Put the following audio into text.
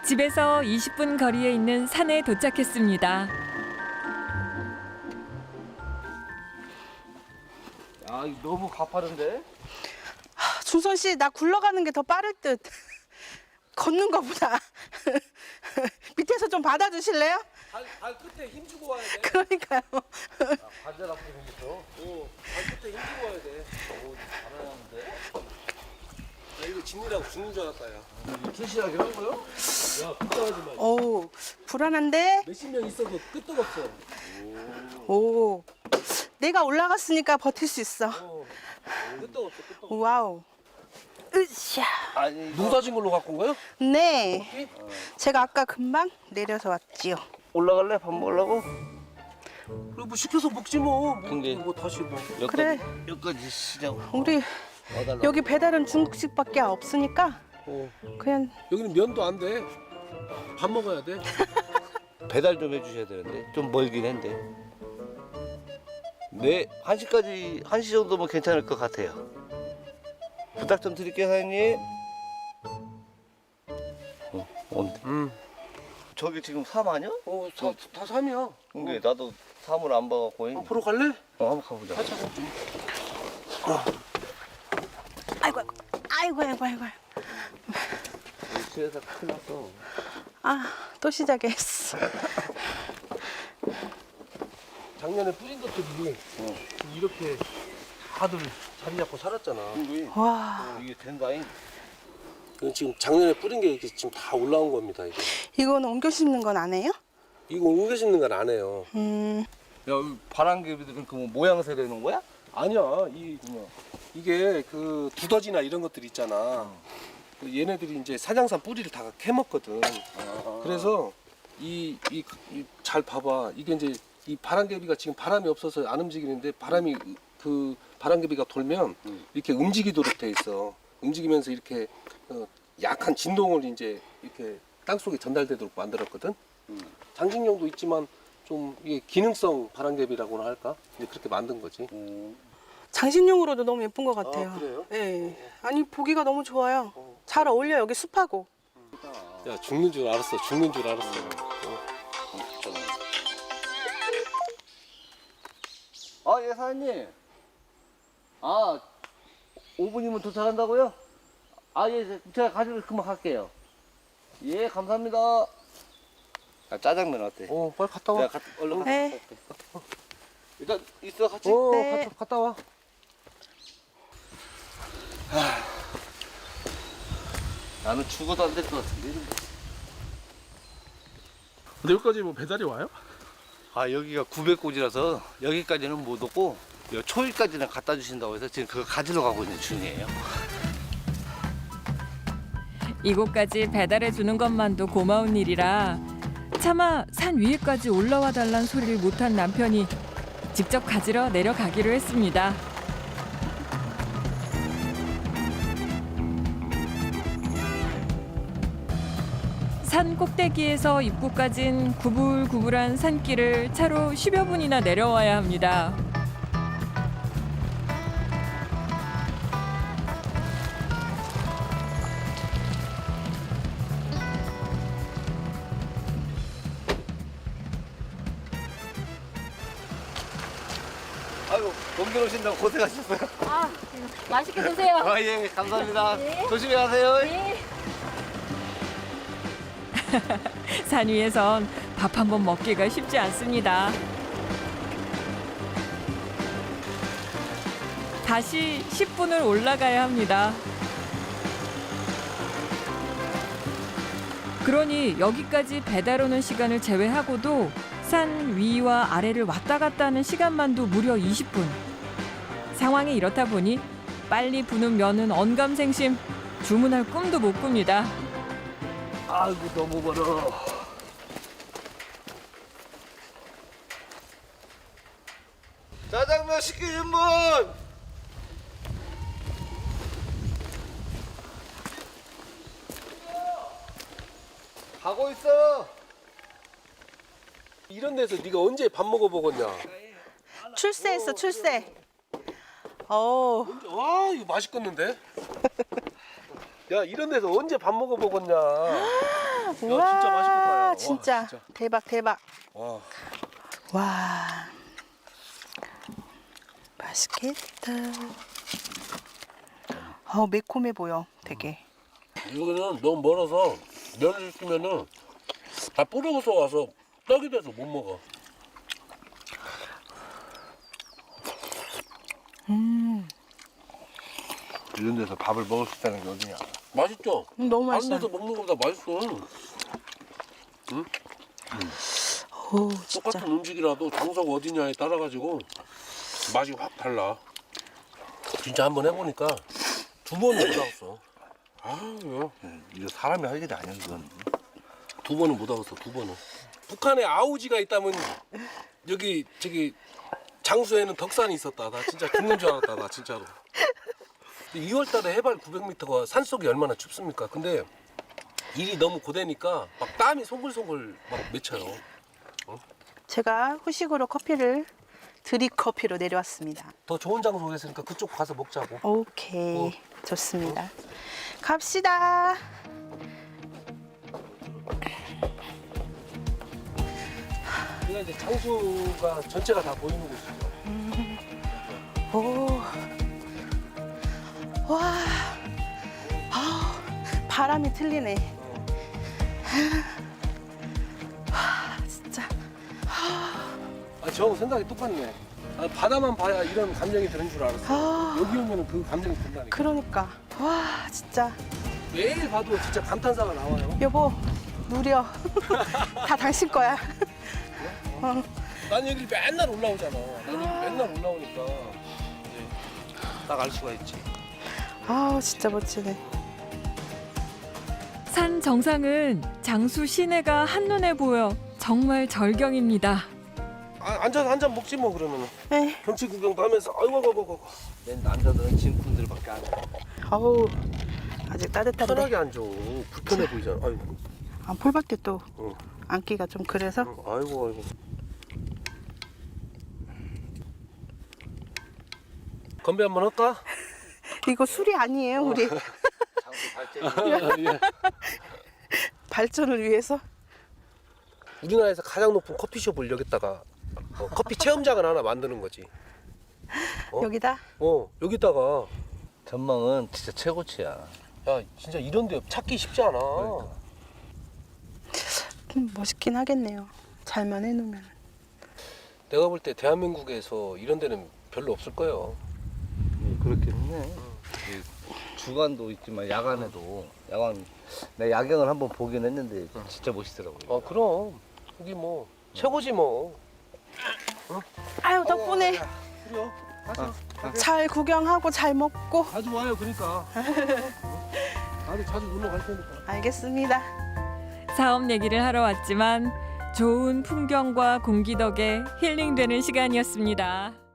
집에서 20분 거리에 있는 산에 도착했습니다. 아, 이거 너무 가파른데? 준선 씨, 나 굴러가는 게 더 빠를 듯. 걷는 거보다. 밑에서 좀 받아주실래요? 발 끝에 힘주고 와야 돼. 그러니까요. 관절 아프게 생겼어. 발 끝에 힘주고 와야 돼. 잘하는데? 야, 이거 진리라고 죽는 줄 알았다, 야. 튼실하게 한 거요? 야, 걱정하지 마. 어우, 불안한데? 몇십 명 있어도 끄떡 없어. 오. 내가 올라갔으니까 버틸 수 있어. 끄떡 없어, 끄떡 없어. 와우. 으쌰. 아니, 눈 사진 걸로 갖고 온 거요? 네. 제가 아까 금방 내려서 왔지요. 올라갈래? 밥 먹으려고? 그래, 뭐 시켜서 먹지 뭐. 근데 뭐 다시 뭐. 그래. 여기까지 시장 우리 와달라고. 여기 배달은 중국식밖에 없으니까 그냥 여기는 면도 안 돼. 밥 먹어야 돼. 배달 좀 해주셔야 되는데 좀 멀긴 한데. 네, 1시까지 1시 정도면 괜찮을 것 같아요. 부탁 좀 드릴게요, 사장님. 온대. 저기 지금 3 아니야? 다 3이야. 근데 나도 3을 안 봐갖고. 앞으로 갈래? 한번 가보자. 아이고 아이고 아이고 아이고. 수혜사 큰일 났어. 아, 또 시작했어. 작년에 뿌린 것들이 이렇게 다들 자리 잡고 살았잖아. 와, 이게 된다잉. 이건 지금 작년에 뿌린 게 이렇게 지금 다 올라온 겁니다. 이게. 이건 옮겨 심는 건 안 해요? 이거 옮겨 심는 건 안 해요. 야, 바람개비들은 그 뭐 모양새로 해놓은 거야? 아니야. 이게 그 두더지나 이런 것들 있잖아. 그 얘네들이 이제 사냥산 뿌리를 다 캐먹거든. 그래서 잘 봐봐. 이게 이제 이 바람개비가 지금 바람이 없어서 안 움직이는데 그 바람개비가 돌면 이렇게 움직이도록 돼 있어. 움직이면서 이렇게 약한 진동을 이제 이렇게 땅 속에 전달되도록 만들었거든. 장식용도 있지만 좀 이게 기능성 바람개비라고나 할까? 이제 그렇게 만든 거지. 장식용으로도 너무 예쁜 것 같아요. 아, 그래요? 네. 아니 보기가 너무 좋아요. 잘 어울려 여기 숲하고. 야, 죽는 줄 알았어. 죽는 줄 알았어. 아, 예, 사장님. 아, 5분이면 도착한다고요? 아, 예, 제가 가지고 금방 갈게요. 예, 감사합니다. 아, 짜장면 어때? 빨리 갔다 와. 내가 얼른 갔다 네. 올게. 일단 있어, 같이? 네. 갔다 와. 나는 죽어도 안 될 것 같은데. 근데 여기까지 뭐 배달이 와요? 아, 여기가 900곳이라서 여기까지는 못 오고 요 초일까지는 갖다 주신다고 해서 지금 그거 가지러 가고 있는 중이에요. 이곳까지 배달해 주는 것만도 고마운 일이라 차마 산 위에까지 올라와 달란 소리를 못한 남편이 직접 가지러 내려가기로 했습니다. 산 꼭대기에서 입구까진 구불구불한 산길을 차로 10여 분이나 내려와야 합니다. 아이고, 옮겨 오신다고 고생하셨어요. 아, 맛있게 드세요. 아, 예, 감사합니다. 네. 조심히 가세요. 네. 산 위에선 밥 한 번 먹기가 쉽지 않습니다. 다시 10분을 올라가야 합니다. 그러니 여기까지 배달 오는 시간을 제외하고도 산 위와 아래를 왔다 갔다 하는 시간만도 무려 20분. 상황이 이렇다 보니 빨리 부는 면은 언감생심, 주문할 꿈도 못 꿉니다. 아이고, 너무 멀어. 짜장면 시키신 분! 가고 있어. 이런 데서 네가 언제 밥 먹어보겠냐? 출세했어, 출세. 어, 와, 이거 맛있겠는데? 야, 이런 데서 언제 밥 먹어보겠냐? 진짜 맛있겠다, 야. 와, 진짜 진짜. 대박 대박. 와. 와 맛있겠다. 매콤해 보여 되게. 여기는 너무 멀어서 면을 시키면은 다 뿌려서 와서 떡이 돼서 못 먹어. 이런 데서 밥을 먹을 수 있다는 게 어디냐. 맛있죠? 너무 다른 맛있어. 데서 먹는 것보다 맛있어. 오 진짜. 똑같은 음식이라도 장소가 어디냐에 따라 가지고 맛이 확 달라. 진짜 한번 해보니까 두 번은 못 하겠어. 아유, 이거 사람이 할 일이 아니야 이건. 두 번은 못 하겠어. 두 번은. 북한에 아우지가 있다면 여기 저기 장수에는 덕산이 있었다. 나 진짜 죽는 줄 알았다. 나 진짜로. 2월달에 해발 900m가 산속이 얼마나 춥습니까? 근데 일이 너무 고되니까 막 땀이 송글송글 막 맺혀요. 제가 후식으로 커피를 드립 커피로 내려왔습니다. 더 좋은 장소가 있으니까 그쪽 가서 먹자고. 오케이 좋습니다. 갑시다. 여기가 이제 장수가 전체가 다 보이는 곳이죠. 오. 와. 아, 바람이 틀리네. 와, 진짜. 아, 저 생각이 똑같네. 아, 바다만 봐야 이런 감정이 드는 줄 알았어. 아. 여기 오면 그 감정이 든다니까. 그러니까. 와, 진짜. 매일 봐도 진짜 감탄사가 나와요. 여보, 누려. 다 당신 거야. 난 여기 맨날 올라오잖아. 난 여기 맨날 올라오니까 이제 딱 알 수가 있지. 아우, 진짜 멋지네. 산 정상은 장수 시내가 한눈에 보여 정말 절경입니다. 아, 앉아서 한 잔 먹지 뭐 그러면은. 에이, 경치 구경도 하면서 아이고. 내 남자들은 진품들밖에 안 해. 아우, 아직 따뜻한데. 편하게 앉아. 불편해 보이잖아. 아이고. 아, 폴밖에 또 응. 앉기가 좀 그래서. 아이고. 건배 한번 할까? 이거 술이 아니에요, 우리. 장수 발전이. 발전을 위해서. 우리나라에서 가장 높은 커피숍을 여기다가 커피 체험장을 하나 만드는 거지. 어? 여기다. 여기다가 전망은 진짜 최고치야. 야 진짜 이런 데 찾기 쉽지 않아. 그러니까. 멋있긴 하겠네요. 잘만 해놓으면. 내가 볼 때 대한민국에서 이런 데는 별로 없을 거예요. 그렇긴 해. 주간도 있지만 야간에도 내 야경을 한번 보긴 했는데 진짜 멋있더라고요. 그럼 여기 뭐 최고지 뭐. 아유, 덕분에 그래요. 잘 구경하고 잘 먹고. 자주 와요 그러니까. 나도 자주 놀러 갈 테니까. 알겠습니다. 사업 얘기를 하러 왔지만 좋은 풍경과 공기 덕에 힐링되는 시간이었습니다.